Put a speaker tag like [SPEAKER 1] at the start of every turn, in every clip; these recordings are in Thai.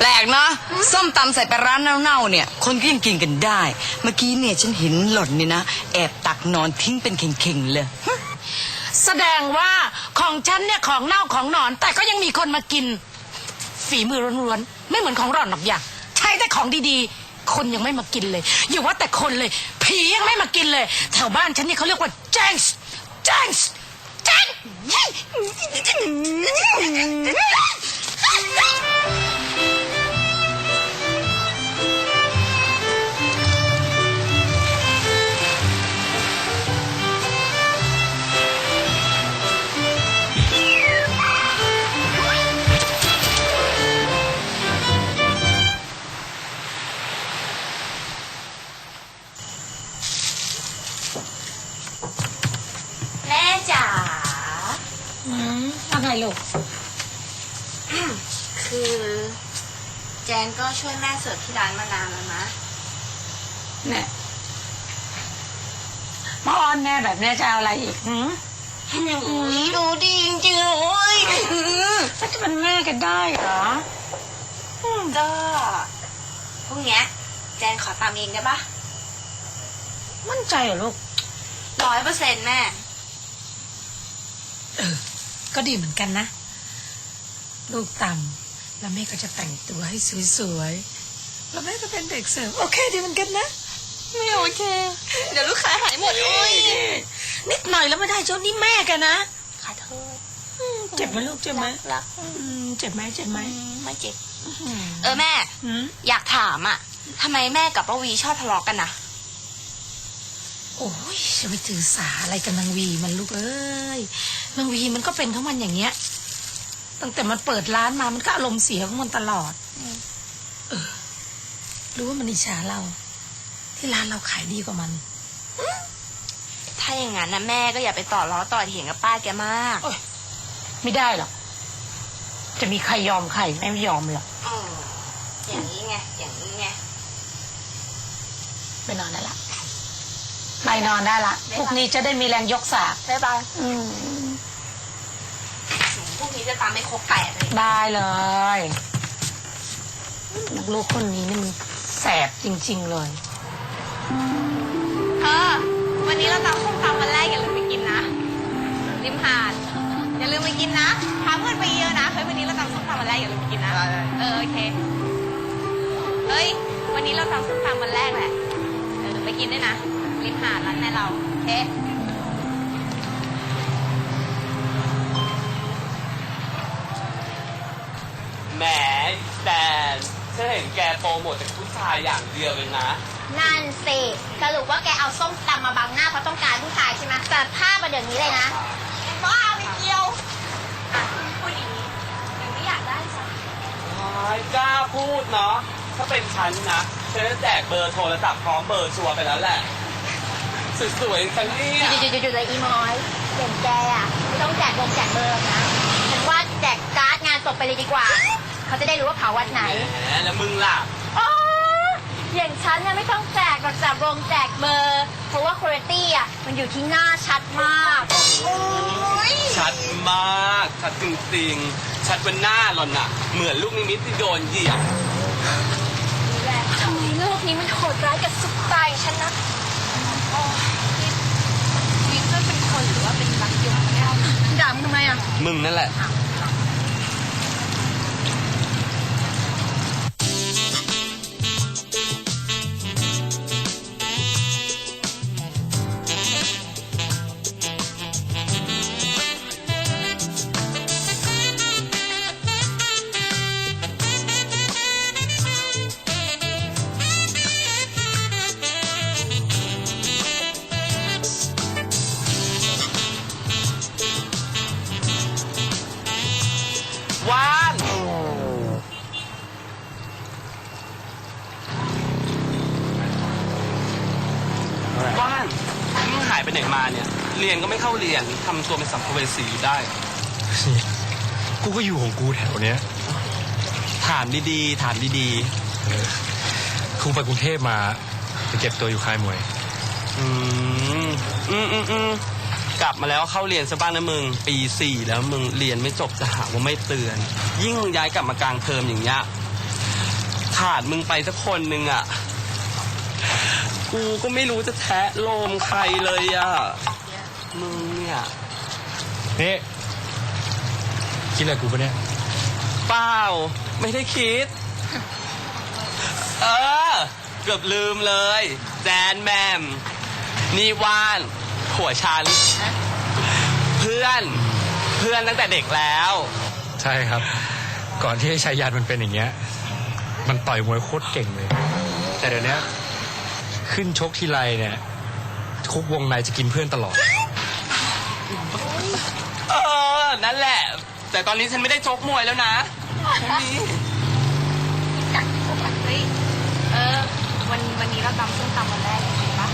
[SPEAKER 1] ลกเนาะส้มตำใส่ปลาร้าเน่าๆเนี่ยคนก็ยังกินกันได้เมื่อกี้เนี่ยฉันเห็นหล่อนเนี่ยนะแอบตักนอนทิ้งเป็นเข่งๆเลย
[SPEAKER 2] แสดงว่าของฉันเนี่ยของเน่าของนอนแต่ก็ยังมีคนมากินฝีมือล้วนๆไม่เหมือนของหล่อนหรอกอย่างใช้แต่ของดีๆคนยังไม่มากินเลยอย่าว่าแต่คนเลยผียังไม่มากินเลยแถวบ้านฉันนี่เขาเรียกว่าแจ้งแจ้งแจ้ง
[SPEAKER 3] แม่จ๋า
[SPEAKER 2] อะไรลูก
[SPEAKER 3] คือแจนก็ช่วยแม่เสิร์ฟที่ร้านมานานแล้วนะ
[SPEAKER 2] เนี่ยมาอ้อนแม่แบบนี้จะเอาอะไรอีก
[SPEAKER 3] ดูดีจริงๆเลย
[SPEAKER 2] จะเป็นแม่กันได้เหรอ
[SPEAKER 3] ก็พรุ่งนี้แจนขอตามเองได้ปะ
[SPEAKER 2] มั่นใจเหรอลูก
[SPEAKER 3] 100%แม่
[SPEAKER 2] ก็ดีเหมือนกันนะลูกต่ำแล้วแม่ก็จะแต่งตัวให้สวยๆแล้วแม่ก็เป็นเด็กเสิร์ฟโอเคดีเหมือนกันนะ
[SPEAKER 3] ไม่โอเคเดี๋ยวลูกค้าหายหมด
[SPEAKER 2] นิดหน่อยแล้วไม่ได้เจ้านี่แม่กันนะ
[SPEAKER 3] ขอโทษ
[SPEAKER 2] เจ็บไหมลูกเจ็บไหม
[SPEAKER 3] รัก
[SPEAKER 2] เจ็บไหม
[SPEAKER 3] ไม่เจ็บแม่อยากถามอ่ะทำไมแม่กับป้าวีชอบทะเลาะกันนะ
[SPEAKER 2] โอ้ยจะไปถือสาอะไรกันนางวีมันลูกเอ้ยนางวีมันก็เป็นของมันอย่างเงี้ยตั้งแต่มันเปิดร้านมามันก็อารมณ์เสียของมันตลอดรู้ว่ามันอิจฉาเราที่ร้านเราขายดีกว่ามัน
[SPEAKER 3] ถ้าอย่างนั้นนะแม่ก็อย่าไปต่อล้อต่อเถียงกับป้าแกมาก
[SPEAKER 2] ไม่ได้หรอกจะมีใครยอมใครไม่ยอมหรอก
[SPEAKER 3] อย่างนี้ไง
[SPEAKER 2] ไปนอนได้ละไปนอนได้ละพวกนี้จะได้มีแรงยกสาก
[SPEAKER 3] บ๊ายบายพวกนี้จะตามไม่ครบ8เลย
[SPEAKER 2] ได้เลยลูกคนนี้นี่มันแสบจริงๆเลย
[SPEAKER 3] วันนี้เราตำส้มตำวันแรกอย่าลืมไปกินนะริมหาดอย่าลืมไปกินนะพาเพื่อนไปเยอะนะวันนี้เราตำส้มตำวันแรกอย่าลืมไปกินนะโอเควันนี้เราตำส้มตำวันแรกแหละไปกินด้วยนะริมหาดร้านแม่เราโอเค
[SPEAKER 4] แหมแต่ฉันเห็นแกโปรโมทแต่ผู้ชายอย่างเดียวเลยนะ
[SPEAKER 3] นั่นสิสรุปว่าแกเอาส้มตำมาบังหน้าเพราะต้องการผู้ชายใช่ไหมแต่ภาพมาเดี๋ยวนี้เลยนะบ้าไม่เกี่ยวพูดอย่างนี้ยังไม่อยากได้จ้ะ
[SPEAKER 4] กล้าพูดเนาะถ้าเป็นฉันนะฉันจะแจกเบอร์โทรศัพท์พร้อมเบอร์ชัวร์ไปแล้วแหละสวยๆฉันนี่
[SPEAKER 3] จุดเลยอีมอยเด่นแกอ่ะไม่ต้องแจกเบอร์นะฉันว่าแจกการ์ดงานศพไปเลยดีกว่าเขาจะได้รู้ว่าเผาวัดไหน
[SPEAKER 4] แล้วมึงล่ะ
[SPEAKER 3] อย่างฉันเนี่ยไม่ต้องแจกหรอกจากวงแจกเบอร์เพราะว่าคุณภาพอ่ะมันอยู่ที่หน้าชัดมาก
[SPEAKER 4] ชัดมากชัดจริงๆชัดบนหน้าหล่อนน่ะเหมือนลูกนิมิตที่โดนเหยียบ
[SPEAKER 3] ทำไมโลกนี้มันโหดร้ายกับสุดตายฉันนะวินเป็นคนหรือว่าเป็นรักยมแก้วด่ามึงทำไมอ่ะ
[SPEAKER 4] มึงนั่นแหละว่านมึงหายไปไหนมาเนี่ยเรียนก็ไม่เข้าเรียนทำตัวเป็นสัมภเวสีอยู่ได้
[SPEAKER 5] กูก็อยู่ของกูแถวเนี้ย
[SPEAKER 4] ถามดี
[SPEAKER 5] กูไปกรุงเทพมาไปเก็บตัวอยู่ค่ายมวย
[SPEAKER 4] กลับมาแล้วเข้าเรียนซะบ้างนะมึงปี 4แล้วมึงเรียนไม่จบจะหาว่าไม่เตือนยิ่งย้ายกลับมากลางเทอมอย่างเงี้ยขาดมึงไปสักคนหนึ่งอ่ะ กูก็ไม่รู้จะแทะโลมใครเลยอ่ะ มึงเนี่ย
[SPEAKER 5] นี่คิดอะไรกูปะเนี่ย
[SPEAKER 4] เปล่า ไม่ได้คิด เออ เกือบลืมเลย แจนแมม นี่ว่านผัวฉัน เพื่อนตั้งแต่เด็กแล้ว
[SPEAKER 5] ใช่ครับ ก่อนที่ไอ้ชายยันมันเป็นอย่างเงี้ย มันต่อยมวยโคตรเก่งเลย แต่เดี๋ยวนี้ขึ้นชกทีไรเนี่ยคุกวงในจะกินเพื่อนตลอด
[SPEAKER 4] เออ นั่นแหละ แต่ตอนนี้ฉันไม่ได้ชกมวยแล้วนะฉันมี
[SPEAKER 3] เฮ้ยวันนี้เราตำส้มตำวันแรกจริงปะ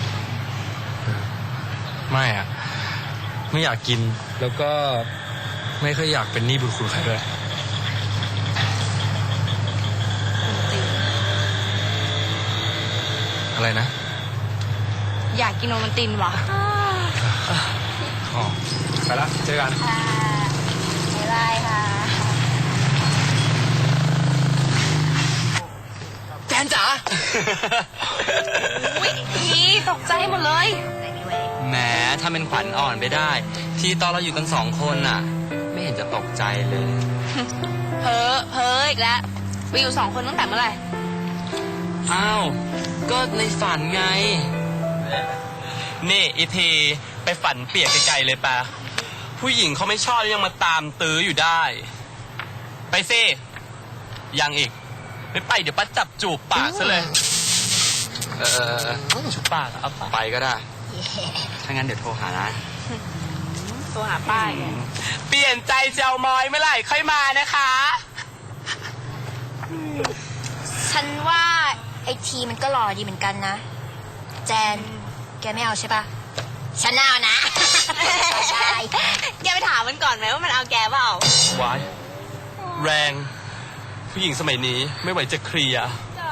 [SPEAKER 5] ไม่อะไม่อยากกินแล้วก็ไม่ค่อยอยากเป็นหนี้บุญคุณใครด้วย อะไรนะ
[SPEAKER 3] อยากกินโอมันตินวะ
[SPEAKER 5] อ๋อไปละเจอกัน
[SPEAKER 3] ค่ะบ๊ายบายค่ะ
[SPEAKER 4] แจนจ๋า
[SPEAKER 3] อุ๊ยอีตกใจหมดเลย
[SPEAKER 4] แหมถ้าเป็นขวัญอ่อนไปได้ ที่ตอนเราอยู่กัน2 คนน่ะ ไม่เห็นจะตกใจเลย
[SPEAKER 3] เพ้ออีกแล้วไปอยู่2 คนตั้งแต่เมื่อไหร่
[SPEAKER 4] อ้าว ก็ในฝันไง นี่อีทีไปฝันเปียกไกลๆเลยปะผู้หญิงเขาไม่ชอบยังมาตามตื้ออยู่ได้ ไปสิ ยังอีก ไม่ไปเดี๋ยวป้าจับจูบปากซะเลย จูบปากเอาไปก็ได้ ถ้างั้นเดี๋ยวโทรหานะ
[SPEAKER 3] ตัวหาป้ายไง
[SPEAKER 4] เปลี่ยนใจเจ้ามอยเมื่อไหร่ค่อยมานะคะ
[SPEAKER 3] ฉันว่าไอทีมันก็หล่อดีเหมือนกันนะ แจน แกไม่เอาใช่ปะฉันเอานะ ใช่ แกไปถามมันก่อนไหมว่ามันเอาแกเปล่า
[SPEAKER 4] วาย แรง ผู้หญิงสมัยนี้ไม่ไหวจะเคลียร์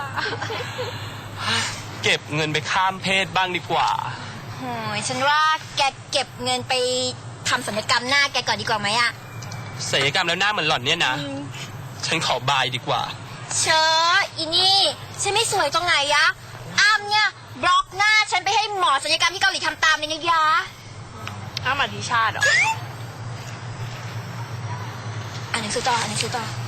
[SPEAKER 4] เก็บเงินไปข้ามเพศบ้างดีกว่า
[SPEAKER 3] โอ้ยฉันว่าแกเก็บเงินไปทำศัลยกรรมหน้าแกก่อนดีกว่าไหมอะ
[SPEAKER 4] ศัลยกรรมแล้วหน้าเหมือนหล่อนเนี่ยนะ ฉันขอบายดีกว่า
[SPEAKER 3] เชออีนี่ฉันไม่สวยตรงไหนยะอ้ามเนี่ยบล็อกหน้าฉันไปให้หมอศัลยกรรมที่เกาหลีทำตามเลยนะยะอ้ามอธิชาติเหรออ่านหนังสือต่อ